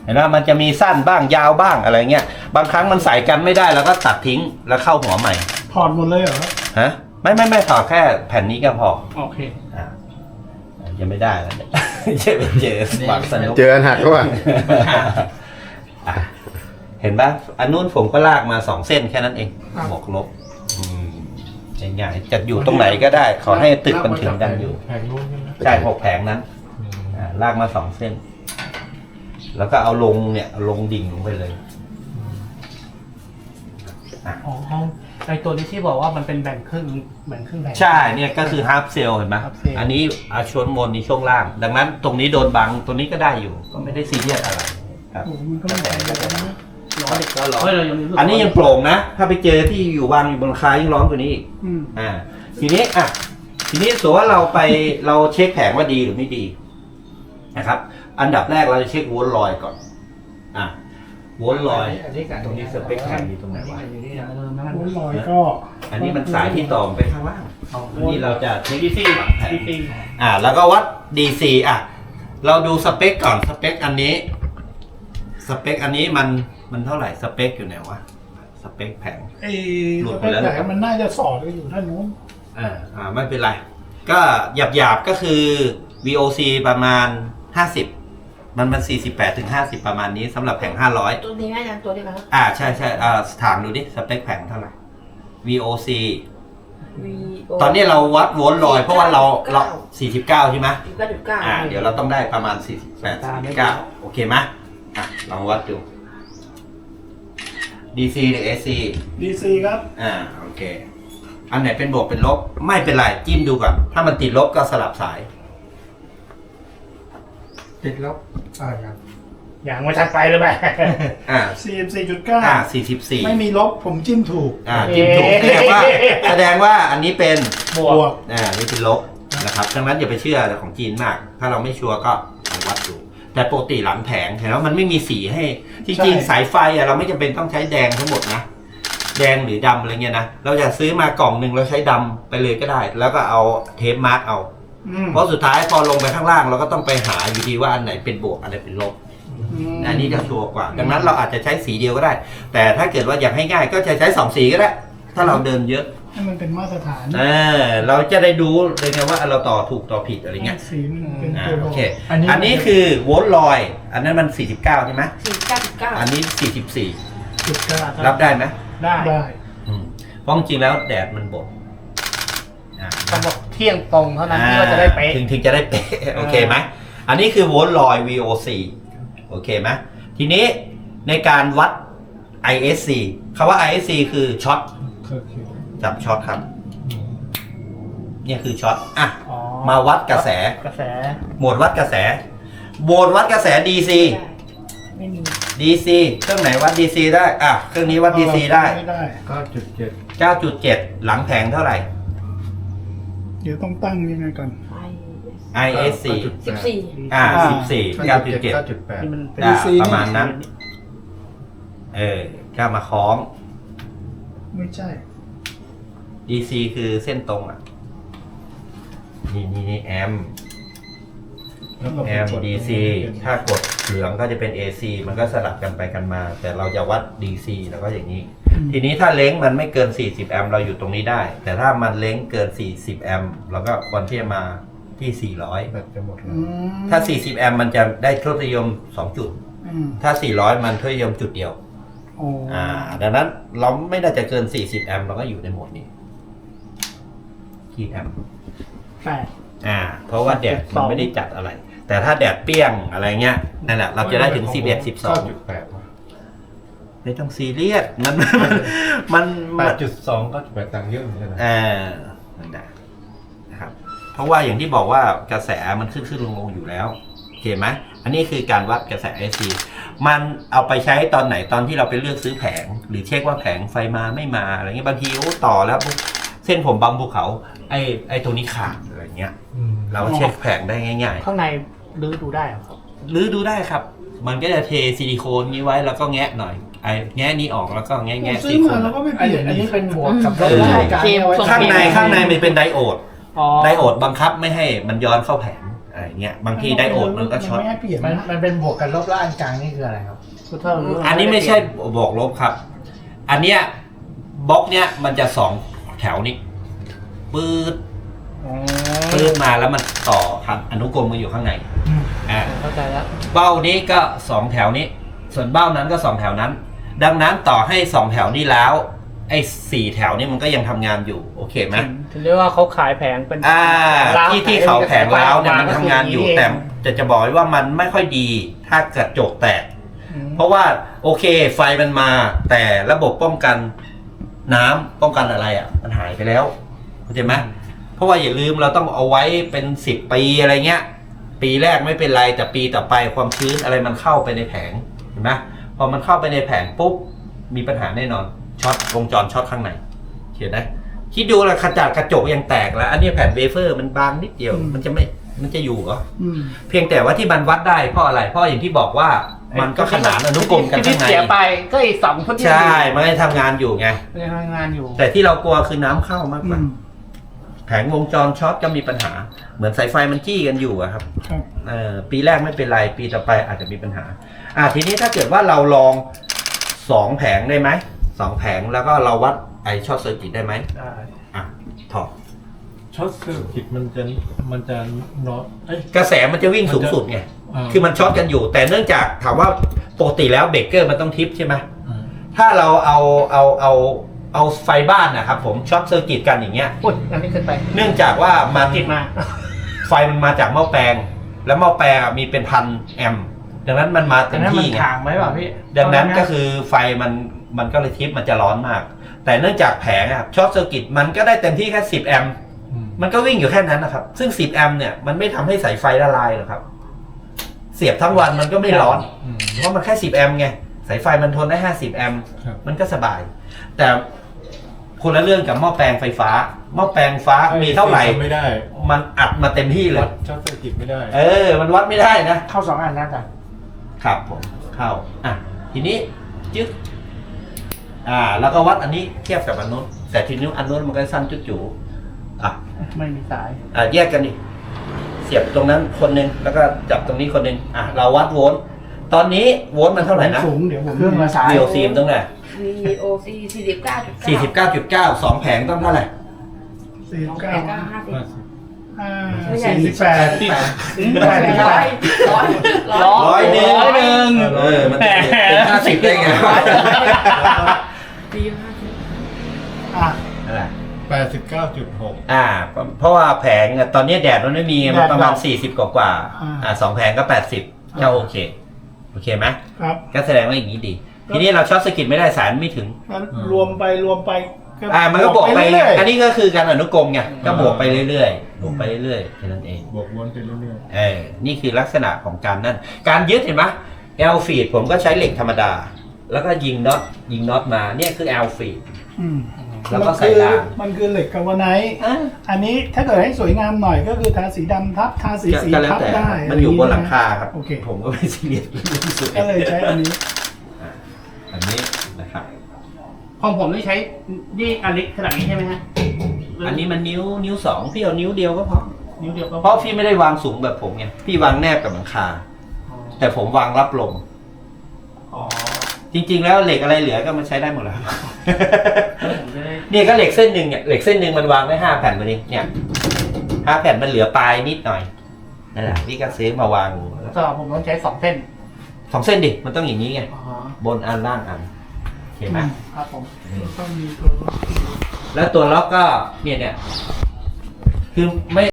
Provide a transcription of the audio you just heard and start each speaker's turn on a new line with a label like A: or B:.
A: ห็นไหมมันจะมีสั้นบ้างยาวบ้างอะไรเงี้ยบางครั้งมันใส่กันไม่ได้แล้วก็ตัดทิ้งแล้วเข้าหัวใหม่
B: ถอดหมดเลยเหรอ
A: ฮะไม่ถอดแค่แผ่นนี้ก็พอ
B: โอเค
A: ยังไม่ได้แล้วเนี่ยเจอสปาร์คสนุก
C: เจออันหักก็ว่า
A: เห็นปะอันนู้นผมก็ลากมา2เส้นแค่นั้นเองบวกลบง่ายๆจะอยู่ตรงไหนก็ได้ขอให้ตึกมันถึงกันอยู่
C: แผงนู้นใช่ไหม
A: ใช่6แผงนั้นลากมา2เส้นแล้วก็เอาลงเนี่ยลงดิ่งลงไปเลย
B: อ๋อในตัวนี้ที่บอกว่ามันเป็นแบ่งครึ่งแผง
A: ใช่เนี่ยก็คือฮาล์ฟเซลเห็นไหมอันนี้ช่วงบนนี้ช่วงล่างดังนั้นตรงนี้โดนบังตัวนี้ก็ได้อยู่ก็ไม่ได้ซีเรียสอะไรครับ
B: มันก็ไม่แพงนะร้อนเด็กก็ร้อน
A: อันนี้ยังโปร่งนะถ้าไปเจอที่อยู่วางอยู่บนคายิ่งร้อนกว่านี้อีกทีนี้สมมติว่าเราเช็คแผงว่าดีหรือไม่ดีนะครับอันดับแรกเราจะเช็คโวลต์ลอยก่อนโวลต์ลอยตรงนี้สเปคแผงอยู่ตรงไหนวะ
B: โวลต์ลอยก็
A: อันนี้มันสายที่ต่อไปข้างล่างอันนี้เราจะเช็ค DC หลังแผง แล้วก็วัด DC เราดูสเปคก่อนสเปคอันนี้มันเท่าไหร่สเปคอยู่ไหนวะสเปคแผง
B: หลุดไปแล้วแต่มันน่าจะสอดอยู่ด้านนู้น
A: ไม่เป็นไรก็หยาบก็คือ VOC ประมาณ50มัน48ถึง50ประมาณนี้สำหรับแผง500
D: ตัวนี้ไหมนะตัวนี้ครับ
A: ใช่ถามดูดิสเปคแผงเท่าไหร่ VOC ตอนนี้เราวัดโวลต์ลอยเพราะว่าเรา49ใช่ไหมเดี๋ยวเราต้องได้ประมาณ48 49โอเคไหมลองวัดดู DC หรือ AC
B: DC ครับ
A: โอเคอันไหนเป็นบวกเป็นลบไม่เป็นไรจิ้มดูก่อนถ้ามันติดลบก็สลับสาย
C: ติดลบครับ
B: อย่างมาชัดไปเลยไหม44.944ไม่มีลบผมจิ้มถูก
A: จิ้มถูกแสดงว่าอันนี้เป็น
B: บวก
A: นี่เป็นลบนะครับดังนั้นอย่าไปเชื่อของจีนมากถ้าเราไม่ชัวร์ก็ลองวัดดูแต่ปกติหลังแผงเห็นแล้วมันไม่มีสีให้จริงๆสายไฟเราไม่จำเป็นต้องใช้แดงทั้งหมดนะแดงหรือดำอะไรเงี้ยนะเราจะซื้อมากล่องหนึ่งเราใช้ดำไปเลยก็ได้แล้วก็เอาเทปมาร์กเอาเพราะสุดท้ายพอลงไปข้างล่างเราก็ต้องไปหาอยู่ดีว่าอันไหนเป็นบวกอันไหนเป็นลบอันนี้จะชัวร์กว่าดังนั้นเราอาจจะใช้สีเดียวก็ได้แต่ถ้าเกิดว่าอยากให้ง่ายก็จะใช้2สีก็ได้ถ้าเราเดินเยอะ
B: ให้มันเป็นมาตรฐาน
A: เราจะได้ดูเลยไงว่าเราต่อถูกต่อผิดอะไรเงี้ย
B: สีมันเป็นตัว
A: โอเคอันนี้คือโวลต์ลอยอันนั้นมัน49ใช่ไหม
D: 49.9
A: อันนี้44รับได้ไหม
B: ได้
A: เพราะจริงแล้วแดดมันบด
B: ต้องบอกเที่ยงตรงเท่านั้นที่เราจะได้เป๊ะ
A: ถึงจะได้เป๊ะโอเคไหมอันนี้คือโวลต์ลอย VOC โอเคไหมทีนี้ในการวัด ISC คำว่า ISC คือช็อตจับช็อตครับเนี่ยคือช็อตมาวัดกระแสโหมดวัดกระแสโหมดวัดกระแส DC
D: ไม่มี
A: DC เครื่องไหนวัด DC ได้เครื่องนี้วัด DC ได้ 9.7 หลังแผงเท่าไหร่
B: เดี๋ยวต้องตั้งยังไงก่อน
A: ISC 14 9.7 ประมาณนั้นก็มาคล้อง
B: ไม่ใช่
A: DC คือเส้นตรงนี่แอม DC ถ้ากดเหลืองก็จะเป็น AC มันก็สลับกันไปกันมาแต่เราจะวัด DC แล้วก็อย่างนี้ทีนี้ถ้าเล้งมันไม่เกิน40แอมป์เราอยู่ตรงนี้ได้แต่ถ้ามันเล้งเกิน40แอมป์เราก็ควรที่จะมาที่400
C: แบบจะหมดแล้ว
A: ถ้า40แอมป์มันจะได้ทศนิยม2จุดถ้า400มันทศนิยมจุดเดียวดังนั้นเราไม่น่าจะเกิน40แอมป์เราก็อยู่ในโหมดนี้กี่แอมป์เพราะว่าแดดมันไม่ได้จัดอะไรแต่ถ้าแดดเปรี้ยงอะไรเงี้ยนั่นแหละเราจะได้ถึง11 12ไม่ต้องซีเรียสมัน
C: 8.2 ก็8ต่างเยอะเหมือนกัน
A: นะครับเพราะว่าอย่างที่บอกว่ากระแสมันขึ้นลงอยู่แล้วโอเคไหมอันนี้คือการวัดกระแส AC มันเอาไปใช้ตอนไหนตอนที่เราไปเลือกซื้อแผงหรือเช็คว่าแผงไฟมาไม่มาอะไรเงี้ยบางทีต่อแล้วเส้นผมบางภูเขาไอ้ตัวนี้ขาดอะไรเงี้ยเราเช็คแผงได้ง่าย
B: ๆข้างในลื้อดูได้ครับ
A: ลื้อดูได้ครับมันก็จะเทซิลิโคนนี้ไว้แล้วก็แงะหน่อยแงะนี้ออกแล้วก็แงะซิลิโคน
B: แล้วก็ไม่เปลี่ยนอันนี้เป็นบวกกับ
A: ข้างในมันเป็นไดโอดบังคับไม่ให้มันย้อนเข้าแผงอะไรเงี้ยบางทีไดโอดมันก็ช็อต
C: ไม่ให้เปลี่ยน
E: มันเป็นบวกกันลบแล้วอันกลางนี่คืออะไรครับ
B: คือถ้า
A: อันนี้ไม่ใช่บวกลบครับ อันเนี้ยบล็อกเนี้ยมันจะ2แถวนี้ปื๊ด
B: อ๋อ
A: ปื๊ดมาแล้วมันต่อครับอนุกรมมันอยู่ข้างในอ่า
B: เข้าใจแล้ว
A: เบ้านี้ก็2แถวนี้ ส่วนเบ้านั้นก็2แถวนั้น ดังนั้นต่อให้2แถวนี้แล้วไอ้4แถวนี้มันก็ยังทำงานอยู่โอเคไหม
B: ถึงเรียกว่าเขาขายแผงเป็น ร้าว
A: ที่เขาแผงล้าวเนี่ยมันทำงานอยู่
B: ก็คื
A: แต่จะบอกไว้ว่ามันไม่ค่อยดีถ้ากระจกแตก
B: อืม
A: เพราะว่าโอเคไฟมันมา แต่ระบบป้องกันน้ำป้องกันอะไรอ่ะมันหายไปแล้วเข้าใจไหมเพราะว่าอย่าลืมเราต้องเอาไว้เป็น10 ปีอะไรเงี้ย ปีแรกไม่เป็นไรแต่ปีต่อไปความชื้นอะไรมันเข้าไปในแผงเห็นไหมพอมันเข้าไปในแผงปุ๊บมีปัญหาแน่นอนช็อตวงจรช็อตข้างในเห็นไหมคิดดูละขจัดกระจกยังแตกแล้ว อันนี้แผ่นเวเฟอร์มันบางนิดเดียวมันจะอยู่เหรอ
B: อืม
A: เพียงแต่ว่าที่มันวัดได้เพราะอะไรเพราะอย่างที่บอกว่ามันก็ขนานอนุกรมกัน
B: ที่
A: ข้างใน
B: เสียไปก็อีก2ชุดที่
A: ใช่มันก็ทำงานอยู่ไง
B: ยังทำงานอยู่
A: แต่ที่เรากลัวคือน้ำเข้ามากกว่า
B: อืม
A: แผงวงจรช็อตก็มีปัญหา เหมือนสายไฟมันจี้กันอยู่อะครับ
B: ครับ
A: ปีแรกไม่เป็นไรปีต่อไปอาจจะมีปัญหาทีนี้ถ้าเกิดว่าเราลอง2แผงได้ไหม2แผงแล้วก็เราวัดไอช็อตเซอร์กิตได้ไหม
B: ได้
A: ถอด
C: ช็อตเซอร์กิตมันจะน็อตเอ้ย
A: กระแสมันจะวิ่งสูงสุดไง
C: อ่า
A: คือมันช็อตกันอยู่ แต่เนื่องจากถามว่าปกติแล้วเบรกเกอร์มันต้องทิปใช่ไหม
C: อ่า
A: ถ้าเราเอาไฟบ้านนะครับผมช็อตเซอร์กิตกันอย่างเงี้ย
B: อุ้ยอันนี้ขึ้นไป
A: เนื่องจากว่ามัน
B: ติดมา
A: ไฟมันมาจากหม้อแปลง แล้วหม้อแปลงมีเป็นพันแอมป์ดังนั้นมันมาเต็
B: แต่
A: ม
B: นั้นมัน
A: ที่ไง
B: ถางไว้เปล่าพี่
A: ดังนั้นก็คือไฟมันก็เลยทิปมันจะร้อนมาก แต่เนื่องจากแผงอะช็อตเซอร์กิตมันก็ได้เต็มที่แค่10 แอมป์
C: อืม
A: มันก็วิ่งอยู่แค่นั้นนะครับ ซึ่ง10 แอมป์เนี่ยมันไม่ทำให้สายไฟละลายหรอกครับ เสียบทั้งวันมันก็ไม่ร้อน
C: อืม
A: เพราะมันแค่10 แอมป์ไงสายไฟมันทนได้50 แอมป์
C: ครับ
A: มันก็สบาย แต่คนละเรื่องกับหม้อแปลงไฟฟ้าหม้อแปลงฟ้ามีเท่าไหร่
C: ไม่ได้
A: มันอัดมาเต็มที่เล
C: วั
A: ย
C: ดช็อตเซอร์กิตไม่ได้
A: มันวัดไม่ได้นะ
B: เข้า2 อันนะจ๊ะ
A: ครับผมเข้าทีนี้จึ๊กแล้วก็วัดอันนี้เทียบกับอันนู้นแต่ทีนี้อันนู้นมันก็สั้นจุ๊จูอ่ะ
B: ไม่มีสาย
A: แยกกันดิเสียบตรงนั้นคนหนึงแล้วก็จับตรงนี้คนหนึงเราวัดโวลต์ตอนนี้โวลต์มันเท่าไหร่นะ
B: สูงเดี๋ยวผมเครื่องละสาย
A: VOC มันต้องไหน
D: VOC 49.9
A: 49.9 2 แผงต้องเท่าไหร่
B: ร้อยหนึ่ง
A: มันจะเป็น50ได้ไง
D: ปี
A: อะไร
C: 89.6
A: เพราะว่าแผงตอนนี้แดดมันไม่มีมันประมาณ40กว่า2 แผงก็80ก็โอเคไหม
B: ครับ
A: ก็แสดงว่าอย่างนี้ดี ทีนี้เราช็อตสกิตไม่ได้สายไม่ถึง
B: งั้นรวมไป
A: มันก็บวกไป
B: เรื่อยๆ
A: อันนี้ก็คือการอนุกรมไงก็บวกไปเรื่อยๆบวกไปเรื่อยๆแค่นั้นเอง
C: บวกวนไปเรื่อย
A: นี่คือลักษณะของการนั่นการยึดเห็นไหมแอลฟีดผมก็ใช้เหล็กธรรมดา แล้วก็ยิงน็อตมาเนี่ยคือแอลฟีดแล้วก็ใส่ราง
F: มันคือเหล็กกาวาไนท์
A: อ่ะ
F: อันนี้ถ้าเกิดให้สวยงามหน่อยก็คือทาสีดำทับทาสีสี
A: ก็แล้ว
F: ทับ
A: แต่
F: ได้
A: มันอยู่บนหลังคาครับ
F: โอเค
A: ผมก็ไม่ซีเรียสเรื่องสวย
F: ก็เลยใช้อันนี้
A: อันนี้นะครับ
B: ของผมนี่ใช้นี่อันเล็กขนาดนี้ใช่ไหมฮะ
A: อันนี้มันนิ้ว2พี่เอานิ้วเดียวก็พอ
B: นิ้วเดียวก็
A: เพราะพี่ไม่ได้วางสูงแบบผมไงพี่วางแนบกับหลังคา แต่ผมวางรับลม
B: อ๋อ
A: จริงๆแล้วเหล็กอะไรเหลือก็มันใช้ได้หมดแล้ว
B: ผมจะได้
A: เนี่ยก็เหล็กเส้นหนึ่งเนี่ยเหล็กเส้นหนึ่งมันวางได้5 แผ่นมาดิเนี่ย5 แผ่นมันเหลือปลายนิดหน่อยนั่นแหละพี่ก็ซื้อมาวาง
B: สำหรับผมต้องใช้2 เส้น
A: 2 เส้นดิมันต้องอย่างนี้ไง
B: อ๋อบ
A: นอันล่างอันโอเคไหม
B: ครับผม
F: ต้องมีตัว
A: แล้วตัวล็อกก็เนี่ยคือไม่